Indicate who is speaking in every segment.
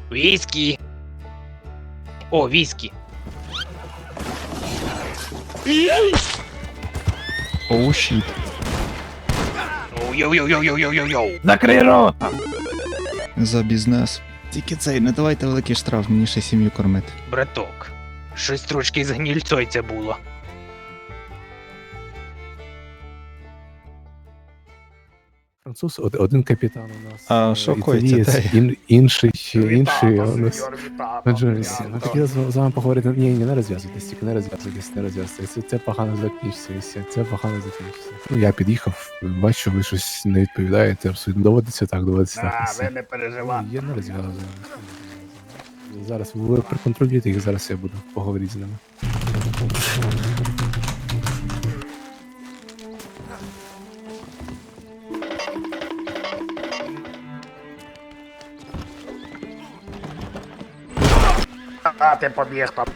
Speaker 1: Віскі. О, віскі.
Speaker 2: Оу, щіт.
Speaker 1: Йоу-йоу-йоу-йоу-йоу-йоу.
Speaker 3: Закрий рота!
Speaker 2: За бізнес. Тільки цей, не давайте великий штраф, мені ще сім'ю кормити.
Speaker 1: Браток, щось трошки з гнільцой було.
Speaker 3: Француз, один капітан у нас.
Speaker 2: А що
Speaker 3: італієць,
Speaker 2: коїться,
Speaker 3: інший у нас. Джонсі, ми хотіли з вами поговорити. Ні, не розв'язуйтесь, тільки не розв'язуйтесь. Це погано закінчиться, це погано закінчиться. Ну, я під'їхав, бачу, ви щось не відповідаєте, абсолютно доводиться так.
Speaker 1: Ви не переживайте.
Speaker 3: Я не розв'язую. Зараз ви проконтролюєте їх, зараз я буду поговорити з ними.
Speaker 1: А ти побіг там.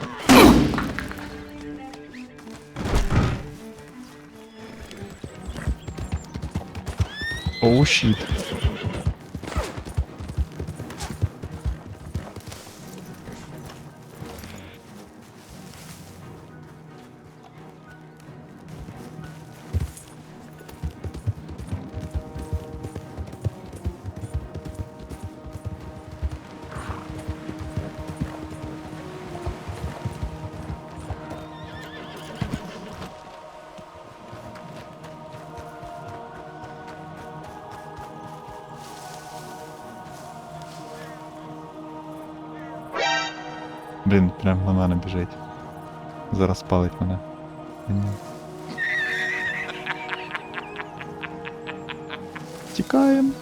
Speaker 2: Оу, щіт. Блін, прям на мене біжить. Зараз палить мене. Ні. Тікаємо.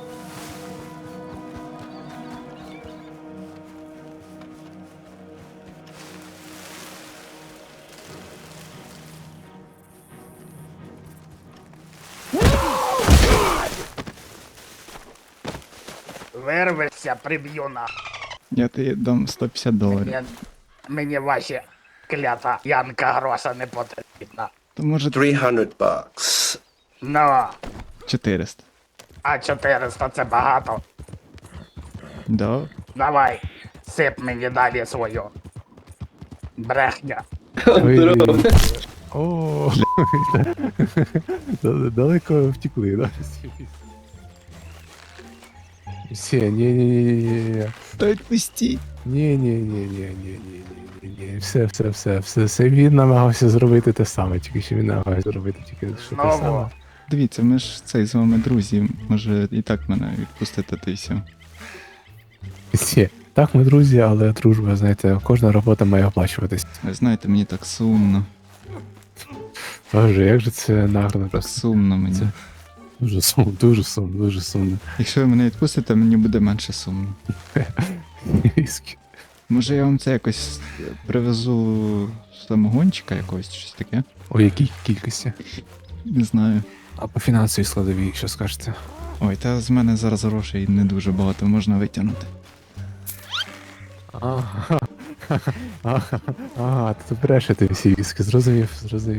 Speaker 1: Вирвешся, приб'ю на.
Speaker 2: Я тобі дам $150.
Speaker 1: Мені ваші клята Янка гроша не потрібна.
Speaker 2: То може
Speaker 4: $300.
Speaker 1: Ну,
Speaker 2: 400.
Speaker 1: а 400 це багато.
Speaker 2: Да.
Speaker 1: Давай, сип мені далі свою брехня.
Speaker 3: О, далеко втекли, да? Все, ні.
Speaker 2: Та відпустіть.
Speaker 3: Ні. Все. Він намагався зробити те саме, тільки що він намагався зробити тільки що те
Speaker 1: Знову.
Speaker 3: саме.
Speaker 2: Дивіться, ми ж цей з вами друзі. Може і так мене відпустити, та й все.
Speaker 3: Всі. Так, ми друзі, але дружба, знаєте, кожна робота має оплачуватись.
Speaker 2: Ви знаєте, мені так сумно.
Speaker 3: Боже, як же це нагарно
Speaker 2: Так
Speaker 3: просто.
Speaker 2: сумно мені.
Speaker 3: Це- Дуже сумно.
Speaker 2: Якщо ви мене відпустите, мені буде менше сумно. Може я вам це якось привезу самогончика якогось, чи щось таке?
Speaker 3: У якій кількості?
Speaker 2: Не знаю.
Speaker 3: А по фінансовій складовій, що скажете?
Speaker 2: Ой, та з мене зараз грошей не дуже багато можна витягнути.
Speaker 3: Ага, ти брешете всі віски, зрозумів.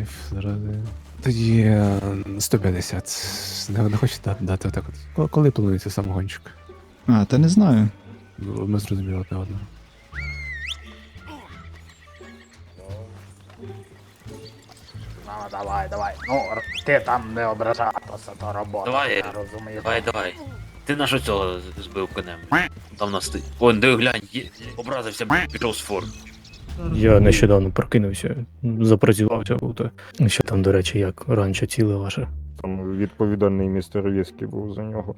Speaker 3: Тоді 150. Не хочете дати отак от? Коли планується самогончик?
Speaker 2: А, та не знаю.
Speaker 3: Ми зрозуміли одне одного.
Speaker 1: Ну, давай. Ну, ти там не ображатися, то робота.
Speaker 5: Давай,
Speaker 1: я розумію.
Speaker 5: Давай. Ти на що цього збив конем? Там нас ти. Вон, диви, глянь, образився, пішов з фор.
Speaker 6: Я нещодавно прокинувся, запрацювався був. Що там, до речі, як ранчо ціле ваше?
Speaker 7: Там відповідальний містер Віскі був за нього.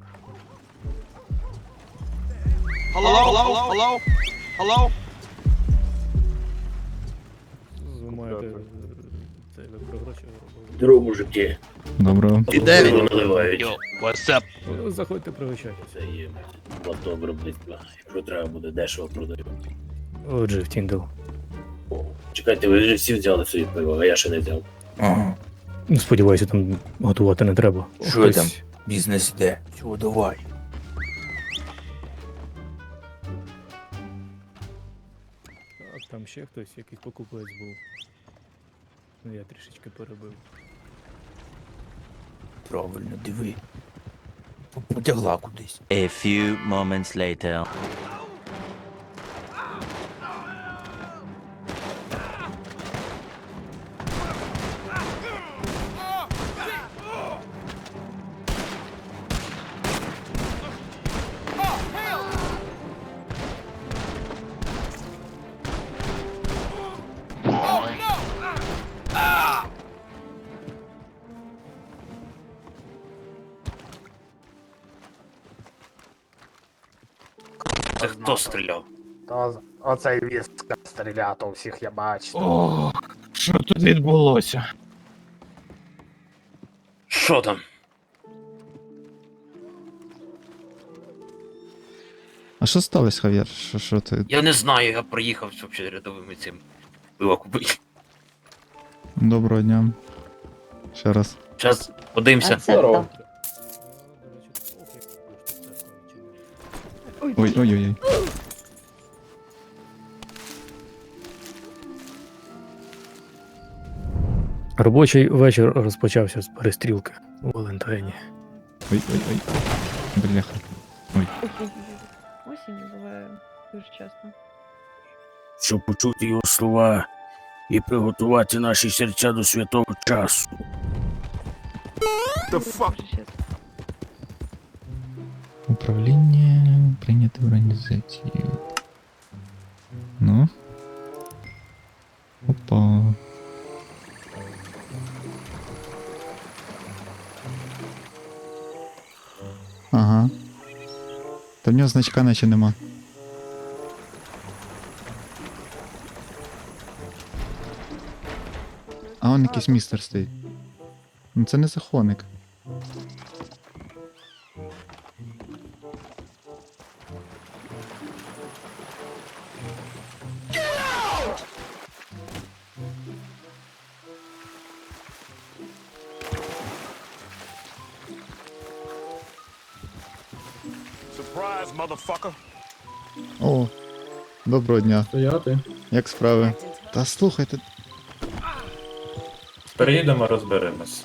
Speaker 6: Ви маєте це ви про гроші робили?
Speaker 5: Здорово, мужики.
Speaker 2: Доброго.
Speaker 5: І де він наливають?
Speaker 1: Йо, what's up?
Speaker 6: Заходьте, пригощайте.
Speaker 5: Це є платно виробництва. Якщо треба буде дешево продаю.
Speaker 6: Отже, в Тіндл.
Speaker 5: О, чекайте, ви вже всі взяли собі пиво, а я ще не взяв.
Speaker 6: Ну, сподіваюся, там готувати не треба.
Speaker 8: Що там? Бізнес іде. Чого давай?
Speaker 6: Так, там ще хтось, якийсь покупець був. Ну, я трішечки перебив.
Speaker 8: Правильно, диви. Потягла кудись.
Speaker 9: A few moments later.
Speaker 5: хто стріляв?
Speaker 1: То оцей вістка стріляв, то всіх я бачу.
Speaker 6: О, що тут відбулося?
Speaker 5: Що там?
Speaker 2: А що сталося, Хав'єр? Що ти?
Speaker 5: Я не знаю, я приїхав взагалі рядовими цим пиво купити.
Speaker 2: Доброго дня. Ще раз.
Speaker 5: Зараз подивимося.
Speaker 2: Ой-ой-ой.
Speaker 6: Робочий вечір розпочався з перестрілки у Валентайні.
Speaker 2: Ой-ой-ой. Бляха.
Speaker 9: Осінь буває дуже часто.
Speaker 8: Щоб почути його слова і приготувати наші серця до святого часу.
Speaker 9: Дуже часто.
Speaker 2: Управління прийняти в організацію. Ну. Опа. Ага. Та в нього значка наче нема. А он якийсь містер стоїть. Ну це не захоник. О, доброго дня.
Speaker 10: Стояти.
Speaker 2: Як справи? Та слухайте.
Speaker 10: Приїдемо, розберемось.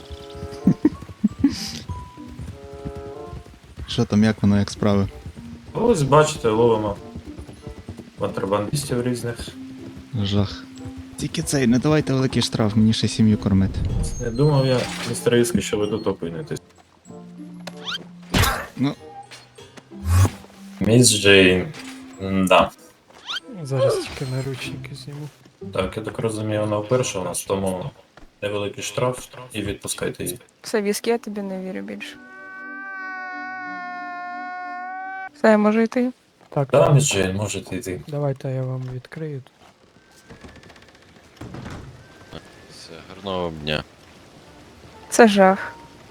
Speaker 2: Що там, як воно, як справи?
Speaker 10: Ось бачите, ловимо контрабандистів різних.
Speaker 2: Жах. Тільки цей, не давайте великий штраф, мені ще сім'ю кормити.
Speaker 10: Не думав я, містер Іски, що ви тут опинитесь.
Speaker 2: Ну.
Speaker 10: Міс Джейн. Да.
Speaker 6: Зараз тільки наручники зніму.
Speaker 10: Так, я так розумію, вона вперше у нас, тому невеликий штраф і відпускайте її.
Speaker 9: Все, віскі, я тобі не вірю більше. Все, я можу йти?
Speaker 6: Так,
Speaker 10: Да, міс Джейн, можете йти.
Speaker 6: давайте я вам відкрию.
Speaker 11: Все, гарного дня.
Speaker 9: Це жах.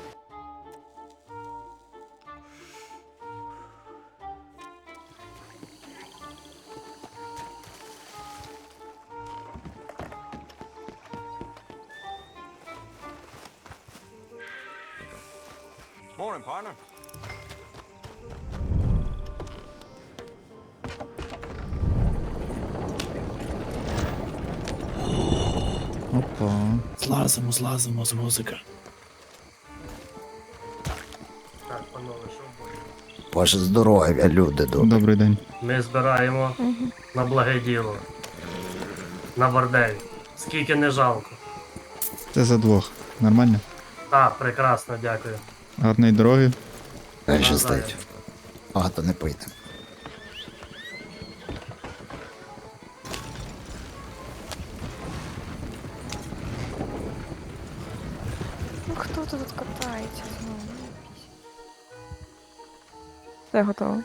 Speaker 2: Опа.
Speaker 8: Злазимо з музики.
Speaker 4: Ваше здоров'я, люди добрі.
Speaker 2: Добрий день.
Speaker 1: Ми збираємо на благе діло. На бордель. Скільки не жалко.
Speaker 2: Це за двох. Нормально?
Speaker 1: Так, прекрасно, дякую.
Speaker 2: Гарної дороги.
Speaker 4: Хай щастить. Багато не пийте.
Speaker 9: Ну хто тут катається знову? Все готово.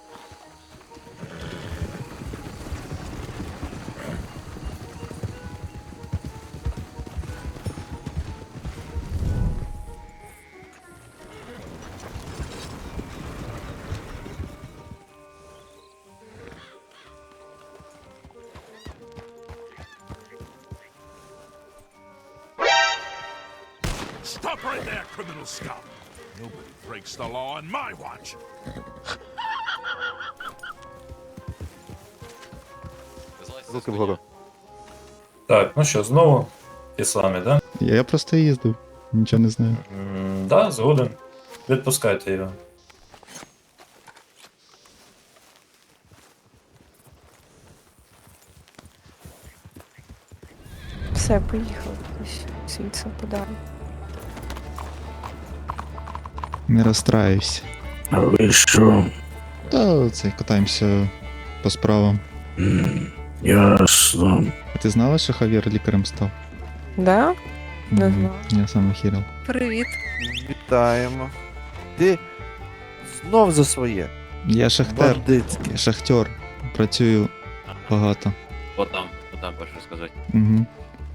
Speaker 12: Stop right there, criminal scum! Nobody breaks the law on my watch!
Speaker 7: Руки вгору.
Speaker 10: Так, ну що, знову ті самі, да?
Speaker 2: Я просто їздив. Нічого не знаю.
Speaker 10: Да, згоден. Відпускайте його.
Speaker 9: Все, поїхали кудись звідси подалі.
Speaker 2: Не розстраюйся.
Speaker 8: А ви що?
Speaker 2: Та це катаємося по справам.
Speaker 8: Ясно.
Speaker 2: А ти знала, що Хав'єр лікарем став?
Speaker 9: Да? Не
Speaker 2: Мгм.
Speaker 9: знала.
Speaker 2: Я сам охірел.
Speaker 9: Привіт.
Speaker 4: Вітаємо. Ти знов за своє.
Speaker 2: Я шахтер.
Speaker 4: Бандитське.
Speaker 2: Я шахтер. Працюю багато.
Speaker 5: Отам перше сказати.
Speaker 2: Угу.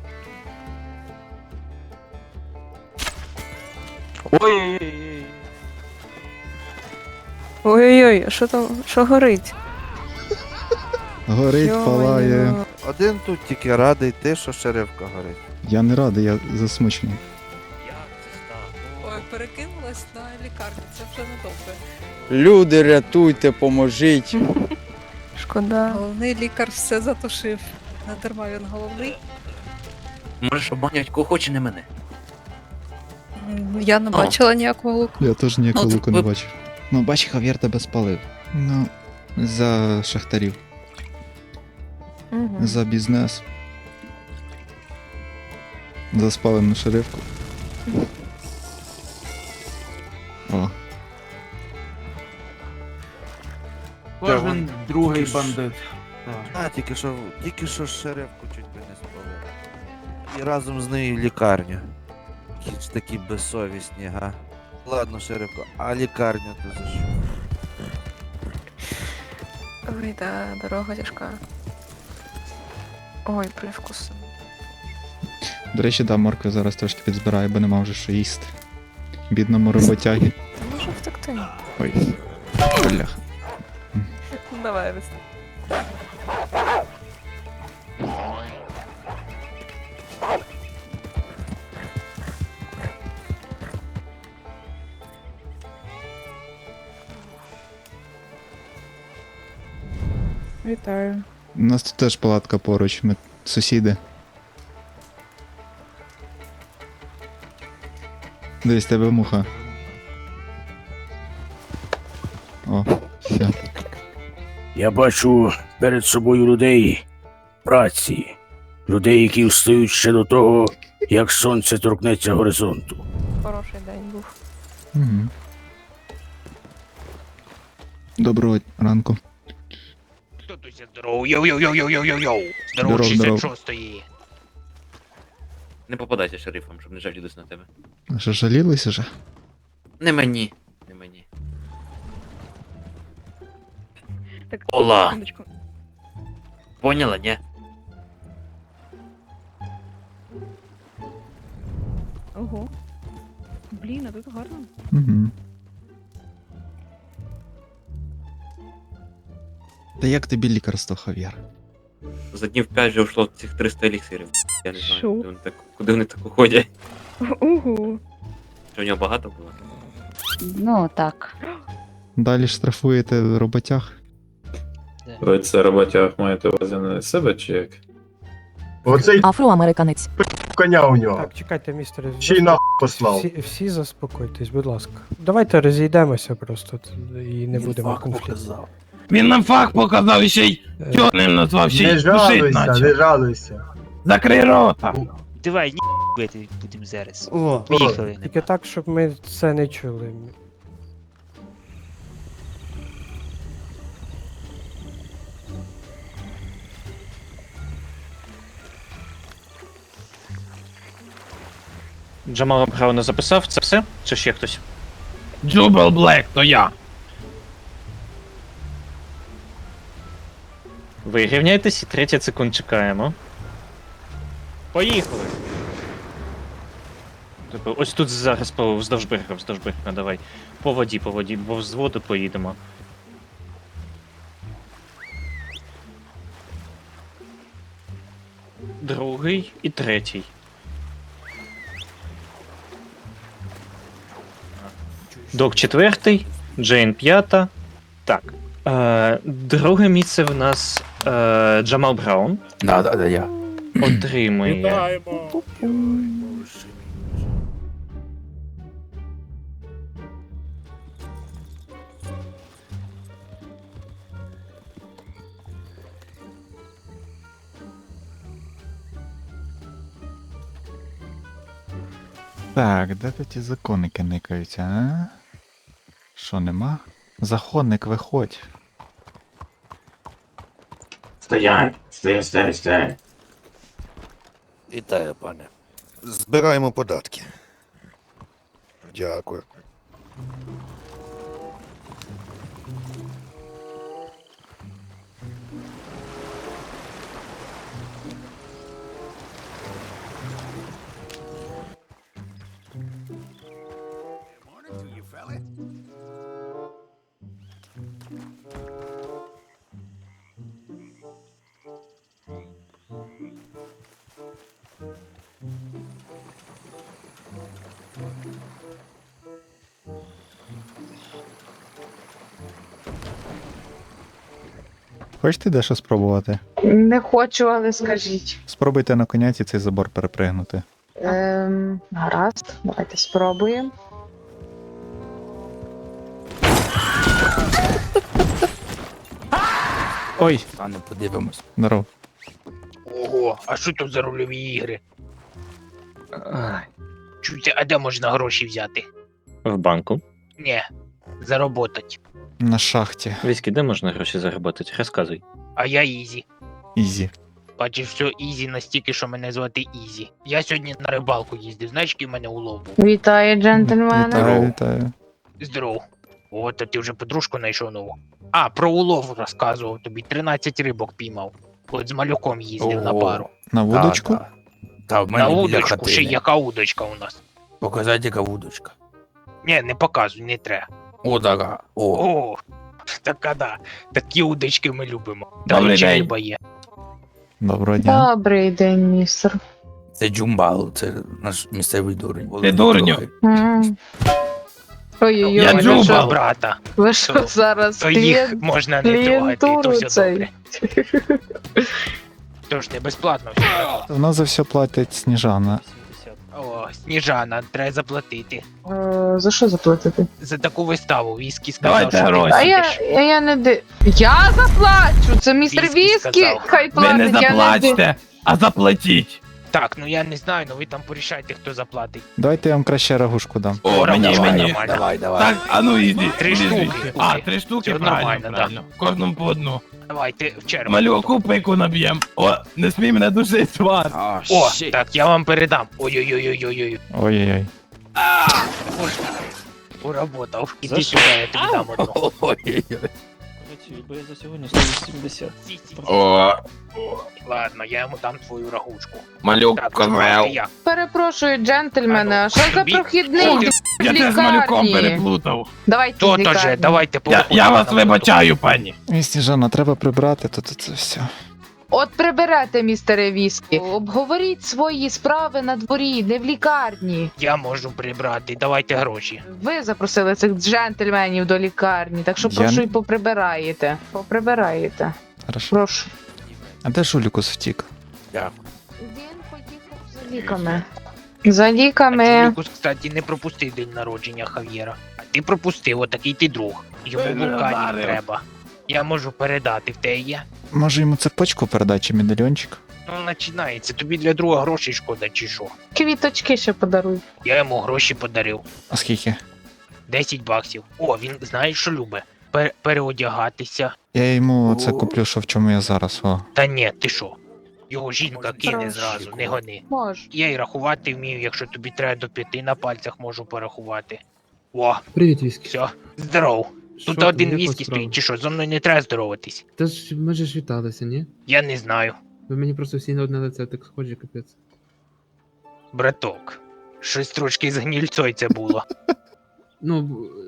Speaker 9: Ой-ой-ой, а що там, що горить?
Speaker 2: Горить, палає.
Speaker 9: Йо-моє.
Speaker 7: Один тут тільки радий ти, що шерифка горить.
Speaker 2: Я не радий, я засмучений.
Speaker 9: Ой, перекинулась на лікарню, це вже не добре.
Speaker 8: Люди, рятуйте, поможіть.
Speaker 9: Шкода.
Speaker 13: Головний лікар все затушив. Не дарма він головний.
Speaker 5: Можеш обманювати кого хоче, не мене.
Speaker 13: Я не бачила ніякого луку.
Speaker 2: Я теж ніякого
Speaker 5: Ну,
Speaker 2: луку не
Speaker 5: ви-
Speaker 2: бачив. Ну, бач, Хав'єр тебе спалив. Ну, за шахтарів,
Speaker 9: Угу.
Speaker 2: за бізнес. За спалену шерифку. О,
Speaker 7: Кожен
Speaker 1: другий
Speaker 7: бандит. А, тільки що шерифку чуть би не спалив. І разом з нею лікарню. Які ж такі безсовісні, га. Ладно, шерифко, а лікарню то за що?
Speaker 9: Ой, да, дорога тяжка. Ой, привкус.
Speaker 2: до речі, да, моркви зараз трошки підзбираю, бо нема вже що їсти. Бідному роботягі.
Speaker 9: Можу втекти.
Speaker 2: Ой, бляха.
Speaker 9: Давай, Рис. Вітаю.
Speaker 2: У нас тут теж палатка поруч, ми сусіди. Дивись, тебе муха. О, все.
Speaker 8: Я бачу перед собою людей праці. Людей, які встають ще до того, як сонце торкнеться горизонту.
Speaker 9: Хороший день був.
Speaker 2: Угу. Доброго ранку.
Speaker 1: Хто тут здоров? Йоу-йоу-йоу-йоу-йоу-йоу-йоу!
Speaker 2: Здоров, здоров.
Speaker 1: 66-ї!
Speaker 5: Не попадайся шерифом, щоб не жалітись на тебе.
Speaker 2: А що, жалілися вже?
Speaker 5: Не мені. Не мені.
Speaker 9: Так,
Speaker 5: Ола!
Speaker 9: секундочку.
Speaker 5: Поняла, ні?
Speaker 9: Ого. Блін, а тут гарно.
Speaker 2: Угу. Та як тобі лікарство, Хав'єр?
Speaker 5: За днів 5 вже вийшло цих 300 еліксирів. Я не знаю,
Speaker 9: Що?
Speaker 5: куди вони так уходять.
Speaker 9: Ого.
Speaker 5: Що в нього багато було?
Speaker 13: Ну, так.
Speaker 2: Далі штрафуєте роботяг?
Speaker 10: Ви це роботяг маєте увазі на себе чи як?
Speaker 12: Оцей
Speaker 13: Афроамериканець.
Speaker 12: коня у нього.
Speaker 6: Так, чекайте, містер.
Speaker 12: Ще й нахуй послав.
Speaker 6: Всі заспокойтесь, будь ласка. Давайте розійдемося просто і не будемо конфлікту.
Speaker 8: Він нам факт показав і ще й чорним назвав, ще й душить наче.
Speaker 12: жалуйся.
Speaker 8: Закрий рота.
Speaker 1: Давай, ні будемо зараз.
Speaker 6: О,
Speaker 1: Поїхали.
Speaker 6: тільки так, щоб ми це не чули.
Speaker 1: Джамал Браун записав це все? Чи ще хтось?
Speaker 8: Джубел Блек, то я.
Speaker 1: Ви рівняйтесь і 30 секунд чекаємо. Поїхали! Тобто, ось тут зараз вздовж берега, давай. По воді, бо з воду поїдемо. Другий і третій. Док четвертий, Джейн п'ята. Так. Друге місце в нас Джамал Браун.
Speaker 3: Да, я.
Speaker 1: Отримує.
Speaker 2: Так, де тут ті законники никаються, а? Що, нема? Законник, виходь.
Speaker 8: Стоять, стой.
Speaker 4: Вітаю, пане. Збираємо податки. Дякую.
Speaker 2: Хочете дещо спробувати?
Speaker 13: Не хочу, але скажіть.
Speaker 2: Спробуйте на коняці цей забор перепригнути.
Speaker 13: Гаразд, давайте спробуємо.
Speaker 2: Ой,
Speaker 4: А не подивимось.
Speaker 2: здоров.
Speaker 1: Ого, а що тут за рольові ігри? Чуйте, а де можна гроші взяти?
Speaker 6: В банку.
Speaker 1: Ні, заработать.
Speaker 2: На шахті.
Speaker 6: Віськи, де можна гроші заробити? Розказуй.
Speaker 1: А я Ізі.
Speaker 2: Ізі.
Speaker 1: Бачиш, все Ізі настільки, що мене звати Ізі. Я сьогодні на рибалку їздив, знаєш, який в мене улов був?
Speaker 13: Вітаю, джентльмени.
Speaker 2: Вітаю, вітаю.
Speaker 1: Здоров. О, то ти вже подружку знайшов нову. А, про улов розказував тобі. 13 рибок піймав. От з малюком їздив на пару.
Speaker 2: На вудочку?
Speaker 4: Та в
Speaker 1: На
Speaker 4: мене біля
Speaker 1: удочку, ще
Speaker 4: хатини.
Speaker 1: яка удочка у нас.
Speaker 4: Показати, яка вудочка.
Speaker 1: Ні, не показуй, не треба.
Speaker 4: О, така. О.
Speaker 1: О, така да. Такі удочки ми любимо.
Speaker 4: Добрий
Speaker 1: Там ще
Speaker 4: день.
Speaker 1: риба є.
Speaker 2: Доброго дня.
Speaker 13: Добрий день, містер.
Speaker 4: Це Джумбал, це наш місцевий дурень.
Speaker 8: Ти дурню.
Speaker 13: Ой-ой-ой,
Speaker 1: Я
Speaker 13: ви
Speaker 1: люблю
Speaker 13: що,
Speaker 1: брата.
Speaker 13: ви що зараз
Speaker 1: То їх
Speaker 13: клієнт?
Speaker 1: можна не трогати, то
Speaker 13: клієнтуру
Speaker 1: все
Speaker 13: цей.
Speaker 1: добре. Тож не безплатно все.
Speaker 2: У нас за все платить Сніжана.
Speaker 1: О, Сніжана, треба заплатити.
Speaker 13: За що заплатити?
Speaker 1: За таку виставу Віскі сказав,
Speaker 8: Давайте
Speaker 1: що ти
Speaker 8: гроші.
Speaker 13: А я не ди... Я заплачу! Це містер
Speaker 1: Віскі
Speaker 13: Віскі!
Speaker 1: сказав.
Speaker 13: Хай
Speaker 8: Ви
Speaker 13: платить,
Speaker 8: не
Speaker 13: я не ди...
Speaker 8: заплачте, а заплатіть.
Speaker 1: Так, ну я не знаю, ну ви там порішайте, хто заплатить.
Speaker 2: Давайте я вам краще рагушку дам.
Speaker 8: О, мені,
Speaker 1: Давай,
Speaker 8: мені.
Speaker 1: нормально.
Speaker 4: Давай, давай.
Speaker 8: Так, а ну іди.
Speaker 1: 3
Speaker 8: іди
Speaker 1: штуки.
Speaker 8: звідси. А, 3 штуки,
Speaker 1: Це
Speaker 8: правильно,
Speaker 1: нормально, да.
Speaker 8: правильно. Кожному по одну.
Speaker 1: Давайте в чергу.
Speaker 8: Малю, купику наб'єм. О, не смій мене душить, свар.
Speaker 1: О, так, я вам передам. Ой-ой-ой-ой-ой.
Speaker 2: Ой-ой-ой.
Speaker 1: Уработав. Іди сюди, я тобі дам одну.
Speaker 4: Ой-ой-ой.
Speaker 6: Бо я за сьогодні 180.
Speaker 1: О. Ладно, я йому дам твою рагушку.
Speaker 8: Малюк,
Speaker 1: Так, давайте я.
Speaker 13: Перепрошую, джентльмени, а що за
Speaker 1: тобі-
Speaker 13: прохідний
Speaker 1: О,
Speaker 8: Я
Speaker 13: в
Speaker 8: те з малюком
Speaker 13: лікарні?
Speaker 8: переплутав.
Speaker 13: Давайте
Speaker 1: То
Speaker 13: з
Speaker 1: же,
Speaker 13: лікарні.
Speaker 1: давайте
Speaker 8: Я вас вибачаю, пані.
Speaker 2: Ой, Сніжана, треба прибрати тут це все.
Speaker 13: От приберете, містере Віскі. Обговоріть свої справи на дворі, не в лікарні.
Speaker 1: Я можу прибрати, давайте гроші.
Speaker 13: Ви запросили цих джентльменів до лікарні, так що
Speaker 2: Я
Speaker 13: прошу
Speaker 2: не-
Speaker 13: і поприбираєте. Поприбираєте.
Speaker 2: Хорошо.
Speaker 13: Прошу.
Speaker 2: А де Жулікус втік?
Speaker 13: Він поїхав за ліками. За ліками.
Speaker 1: Джулікус, кстати, не пропустив день народження Хав'єра. А ти пропустив, отакий ти друг. Йому
Speaker 8: Ти не
Speaker 1: вулканів
Speaker 8: вдарив.
Speaker 1: треба. Я можу передати, в те є.
Speaker 2: Може йому цепочку передати чи медальйончик?
Speaker 1: Ну, починається. Тобі для друга грошей шкода, чи що?
Speaker 13: Квіточки ще подаруй.
Speaker 1: Я йому гроші подарив.
Speaker 2: А скільки?
Speaker 1: 10 баксів. О, він знаєш, що любить? Переодягатися.
Speaker 2: Я йому це куплю, що в чому я зараз, о.
Speaker 1: Та ні, ти що? Його жінка кине
Speaker 13: Прошу.
Speaker 1: зразу, не гони.
Speaker 13: Можеш.
Speaker 1: Я й рахувати вмію, якщо тобі треба до 5 на пальцях можу порахувати. О,
Speaker 14: Привіт, Віскі.
Speaker 1: все, здоров. Тут
Speaker 14: Що,
Speaker 1: один
Speaker 14: як
Speaker 1: віскі
Speaker 14: у вас справи?
Speaker 1: стоїть, чи що, зо мною не треба здороватись.
Speaker 14: Та ж ми ж віталися, ні?
Speaker 1: Я не знаю.
Speaker 14: Ви мені просто всі на одне лице так схожі, капець.
Speaker 1: Браток. Щось трошки з гнільцой це було.
Speaker 14: Ну,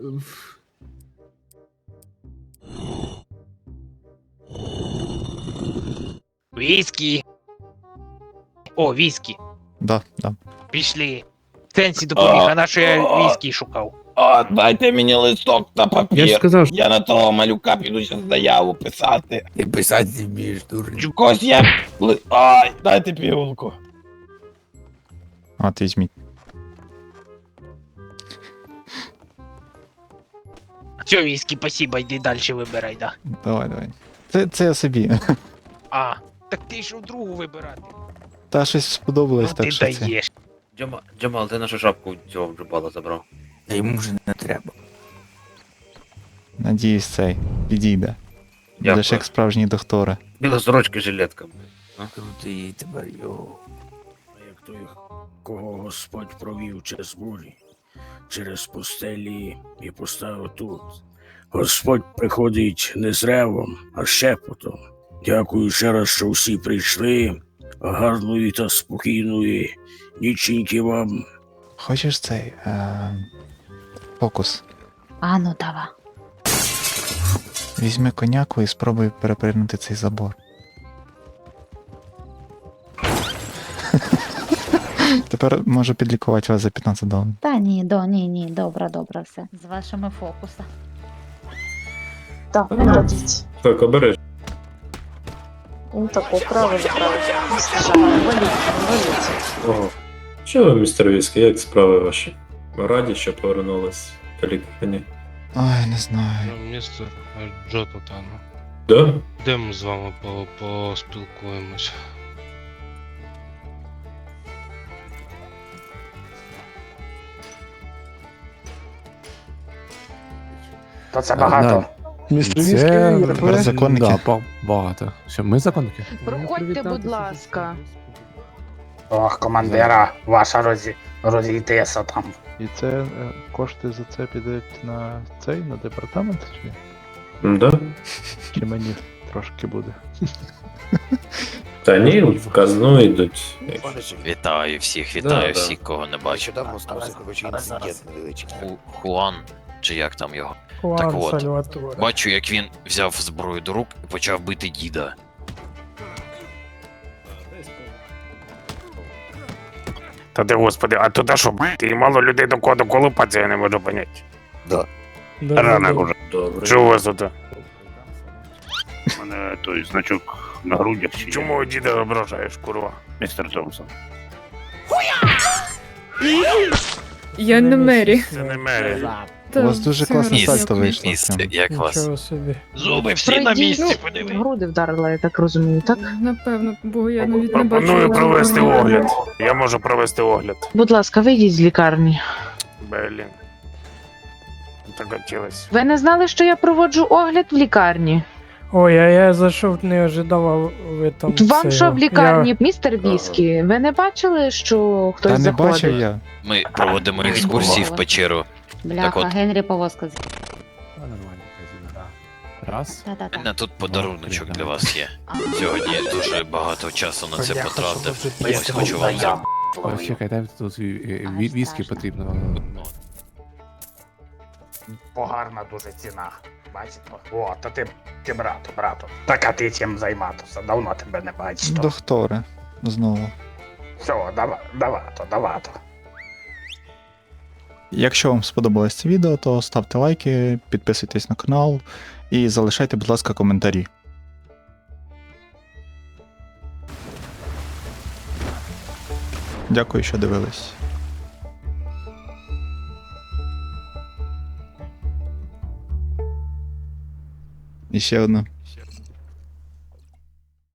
Speaker 1: Віскі. О, віскі.
Speaker 2: Да, да.
Speaker 1: Пішли. Сенсі допоміг, а на що я віскі шукав.
Speaker 8: О, дайте мені листок та папір.
Speaker 14: я ж сказав, що
Speaker 8: Я на того малюка піду зараз заяву писати.
Speaker 4: Ти писати не вмієш, дурень.
Speaker 8: Когось я... Ай, дайте пігулку.
Speaker 2: От візьміть.
Speaker 1: Все, віскі, спасибо, йди далі вибирай, да.
Speaker 2: Давай, давай. Це я собі.
Speaker 1: А, так ти йшов другу вибирати.
Speaker 2: Та щось сподобалось,
Speaker 1: Ну
Speaker 2: так
Speaker 1: ти
Speaker 2: що це.
Speaker 1: даєш.
Speaker 5: Джамал, ти нашу шапку цього джубала забрав.
Speaker 4: Та йому вже не треба.
Speaker 2: Надіюсь, цей підійде.
Speaker 5: Дякую.
Speaker 2: Будеш як справжній доктора.
Speaker 5: Біла сорочка жилетка.
Speaker 4: Крутий тепер, йо.
Speaker 8: А як той, кого Господь провів через бурі, через пустелі і поставив тут. Господь приходить не з ревом, а шепотом. Дякую ще раз, що всі прийшли. Гарної та спокійної ніченьки вам.
Speaker 2: Хочеш цей фокус?
Speaker 9: А ну давай.
Speaker 2: Візьми коняку і спробуй перепригнути цей забор. Тепер можу підлікувати вас за 15 доларів.
Speaker 9: Та ні, ні, добре, все. З вашими фокусами.
Speaker 13: Так, виходіть.
Speaker 10: Так, обережно.
Speaker 9: Ну таку правильно, правильно. Валіться.
Speaker 10: Ого. Що ви, містер Віскі, як справи ваші? Ми раді, що повернулись по лікарні.
Speaker 2: Ай, не знаю.
Speaker 12: Містер Джо Тотано.
Speaker 10: Да?
Speaker 12: Йдемо з вами поспілкуємось.
Speaker 3: То це багато.
Speaker 2: Це законники.
Speaker 3: Да, багато. Що, ми законники?
Speaker 13: Проходьте, будь ласка.
Speaker 3: Ох, командира, ваша розійтеся там.
Speaker 2: І це кошти за це підуть на на департамент
Speaker 10: Да?
Speaker 2: чи мені трошки буде?
Speaker 10: Та ні, в казну йдуть.
Speaker 11: Вітаю всіх,
Speaker 10: Да,
Speaker 11: вітаю
Speaker 10: да.
Speaker 11: всіх, кого не бачу.
Speaker 4: Нещодавно стався, коротше, інцидент невеличкий.
Speaker 11: Хуан, чи як там його? Так от, бачу, як він взяв зброю до рук і почав бити діда.
Speaker 8: Та ти господи, а туди що, ти мало людей до кого доколупатися, я не можу поняти.
Speaker 4: Да.
Speaker 8: Ранок уже.
Speaker 10: Добре.
Speaker 8: Що у вас тут?
Speaker 12: У мене той значок на грудях.
Speaker 8: Чому діда ображаєш, курва, містер Томпсон?
Speaker 9: Я не Мері.
Speaker 8: Це не Мері.
Speaker 2: У вас дуже класне
Speaker 11: Міс,
Speaker 2: сальто вийшло.
Speaker 11: міс, як вас?
Speaker 1: Зуби всі на місці, подиви.
Speaker 13: Груди вдарила, я так розумію, так?
Speaker 9: Напевно, бо я навіть не
Speaker 8: Пропоную
Speaker 9: бачила.
Speaker 8: провести огляд. Я можу провести огляд.
Speaker 13: Будь ласка, вийдіть з лікарні.
Speaker 8: Блін. Так хотілося.
Speaker 13: Ви не знали, що я проводжу огляд в лікарні?
Speaker 6: Ой, а я зайшов, не ожидав, ви там.
Speaker 13: Вам що в лікарні, містер Віскі? Ви не бачили, що хтось
Speaker 2: Та не
Speaker 13: заходить?
Speaker 2: бачив я.
Speaker 11: Ми проводимо екскурсії в печеру. Так от,
Speaker 9: Генрі повозка.
Speaker 3: Нормально, казіно, да. Раз.
Speaker 11: у мене тут подаруночок для вас є. Сьогодні я дуже багато часу на це потратив. Ось хочу вам зробити.
Speaker 3: Ось чекайте, тут віскі потрібно.
Speaker 8: Погарна дуже ціна. Бачите? О, та ти брату. Так а ти чим займатися? Давно тебе не бачиш.
Speaker 2: Докторе. Знову.
Speaker 8: Все, давато.
Speaker 2: Якщо вам сподобалось це відео, то ставте лайки, підписуйтесь на канал і залишайте, будь ласка, коментарі. Дякую, що дивились. І ще одна.